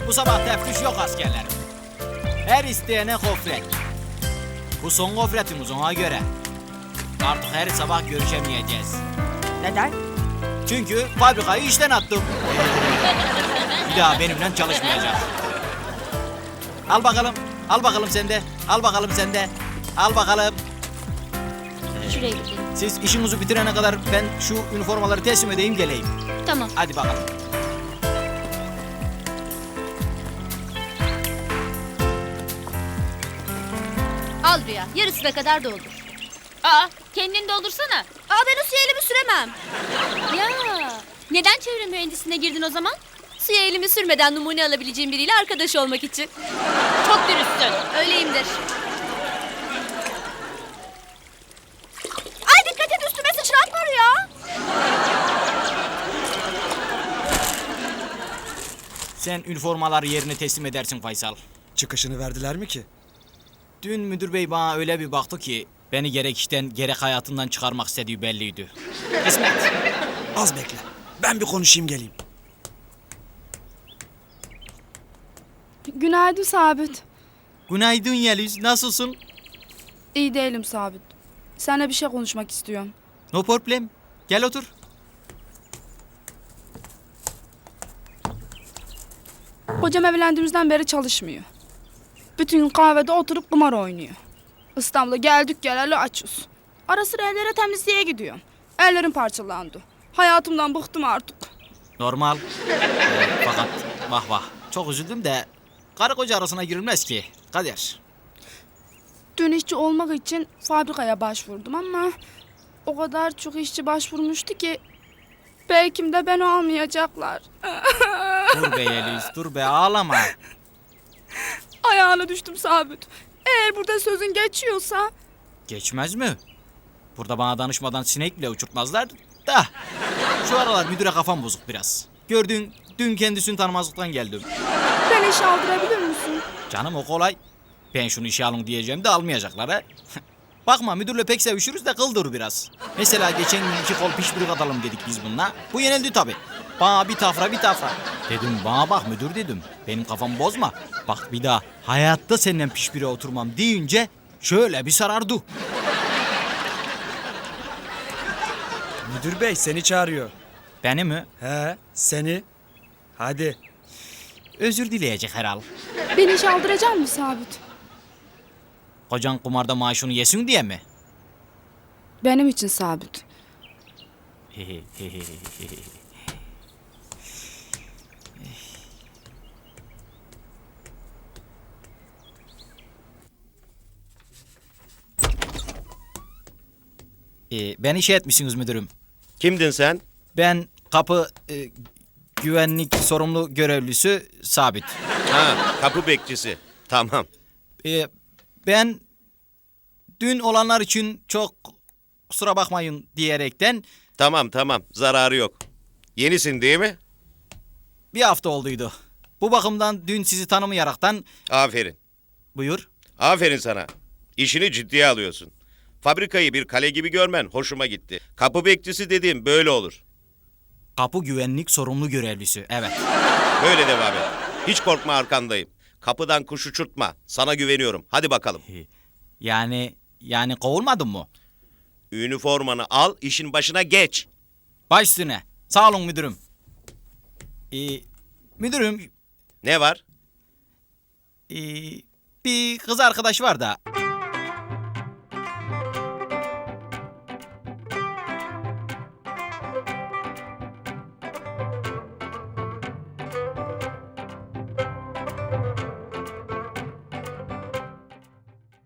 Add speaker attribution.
Speaker 1: Bu sabah teftiş yok askerlerim. Her isteyene gofret. Bu son gofretimiz ona göre. Artık her sabah görüşemeyeceğiz.
Speaker 2: Neden?
Speaker 1: Çünkü fabrikayı işten attım. Bir daha benimle çalışmayacak. Al bakalım. Al bakalım sen de. Al bakalım sen de. Al bakalım.
Speaker 3: Şuraya gidelim.
Speaker 1: Siz işinizi bitirene kadar ben şu üniformaları teslim edeyim geleyim.
Speaker 3: Tamam.
Speaker 1: Hadi bakalım.
Speaker 3: Al Rüya. Yarısına kadar doldur. Aa, kendini doldursana.
Speaker 2: Aa, ben o suya elimi süremem.
Speaker 3: Ya, neden çevre mühendisliğine girdin o zaman? Suya elimi sürmeden numune alabileceğim biriyle arkadaş olmak için. Çok dürüstsün.
Speaker 2: Öyleyimdir. Ay dikkat et, üstüme sıçratma Rüya.
Speaker 1: Sen üniformaları yerine teslim edersin Faysal.
Speaker 4: Çıkışını verdiler mi ki?
Speaker 1: Dün müdür bey bana öyle bir baktı ki beni gerek işten gerek hayatından çıkarmak istediği belliydi. Kısmet.
Speaker 4: Az bekle. Ben bir konuşayım geleyim.
Speaker 5: Günaydın Sabit.
Speaker 1: Günaydın Yeliz, nasılsın?
Speaker 5: İyi değilim Sabit. Seninle bir şey konuşmak istiyorum.
Speaker 1: No problem. Gel otur.
Speaker 5: Kocam evlendiğimizden beri çalışmıyor. Bütün gün kahvede oturup kumar oynuyor. İstanbul'a geldik geleli açız. Ara sıra evlere temizliğe gidiyorum. Ellerim parçalandı. Hayatımdan bıktım artık.
Speaker 1: Normal. Fakat vah vah. Çok üzüldüm de karı koca arasına girilmez ki. Kader.
Speaker 5: Dün işçi olmak için fabrikaya başvurdum ama o kadar çok işçi başvurmuştu ki belki de beni almayacaklar.
Speaker 1: Dur be Yeliz, dur be ağlama.
Speaker 5: Ayağına düştüm Sabit. Eğer burada sözün geçiyorsa
Speaker 1: Geçmez mi? Burada bana danışmadan sinek bile uçurtmazlar da. Şu aralar müdüre kafam bozuk biraz. Gördün, dün kendisini tanımazlıktan geldim.
Speaker 5: beni işe aldırabilir misin?
Speaker 1: Canım o kolay. Ben şunu işe alın diyeceğim de almayacaklar ha. Bakma müdürle pek sevişiriz de kıldır biraz. Mesela geçen gün 2 kol pişpirik atalım dedik biz bununla. Bu yenildi tabii. Bana bir tafra bir tafra. Dedim bana bak müdür dedim. Benim kafamı bozma. Bak bir daha hayatta seninle pişpire oturmam deyince şöyle bir sarardı.
Speaker 4: Müdür bey seni çağırıyor.
Speaker 1: Beni mi?
Speaker 4: He seni. Hadi.
Speaker 1: Özür dileyecek herhal.
Speaker 5: Beni işe aldıracak mısın Sabit?
Speaker 1: Kocan kumarda maaşını yesin diye mi?
Speaker 5: Benim için Sabit.
Speaker 1: Beni işe etmişsiniz müdürüm.
Speaker 6: Kimdin sen?
Speaker 1: Ben kapı güvenlik sorumlu görevlisi Sabit.
Speaker 6: Ha, kapı bekçisi. Tamam.
Speaker 1: Ben dün olanlar için çok kusura bakmayın diyerekten
Speaker 6: Tamam. Zararı yok. Yenisin değil mi?
Speaker 1: bir hafta olduydu. Bu bakımdan dün sizi tanımayaraktan
Speaker 6: Aferin.
Speaker 1: buyur.
Speaker 6: Aferin sana. İşini ciddiye alıyorsun. Fabrikayı bir kale gibi görmen hoşuma gitti. Kapı bekçisi dediğim böyle olur.
Speaker 1: Kapı güvenlik sorumlu görevlisi. Evet.
Speaker 6: Böyle devam et. Hiç korkma arkandayım. Kapıdan kuş uçurtma. Sana güveniyorum. Hadi bakalım.
Speaker 1: Yani kovulmadın mı?
Speaker 6: Üniformanı al, işin başına geç.
Speaker 1: Baş üstüne. Sağ olun müdürüm. Müdürüm
Speaker 6: Ne var?
Speaker 1: bir kız arkadaş var da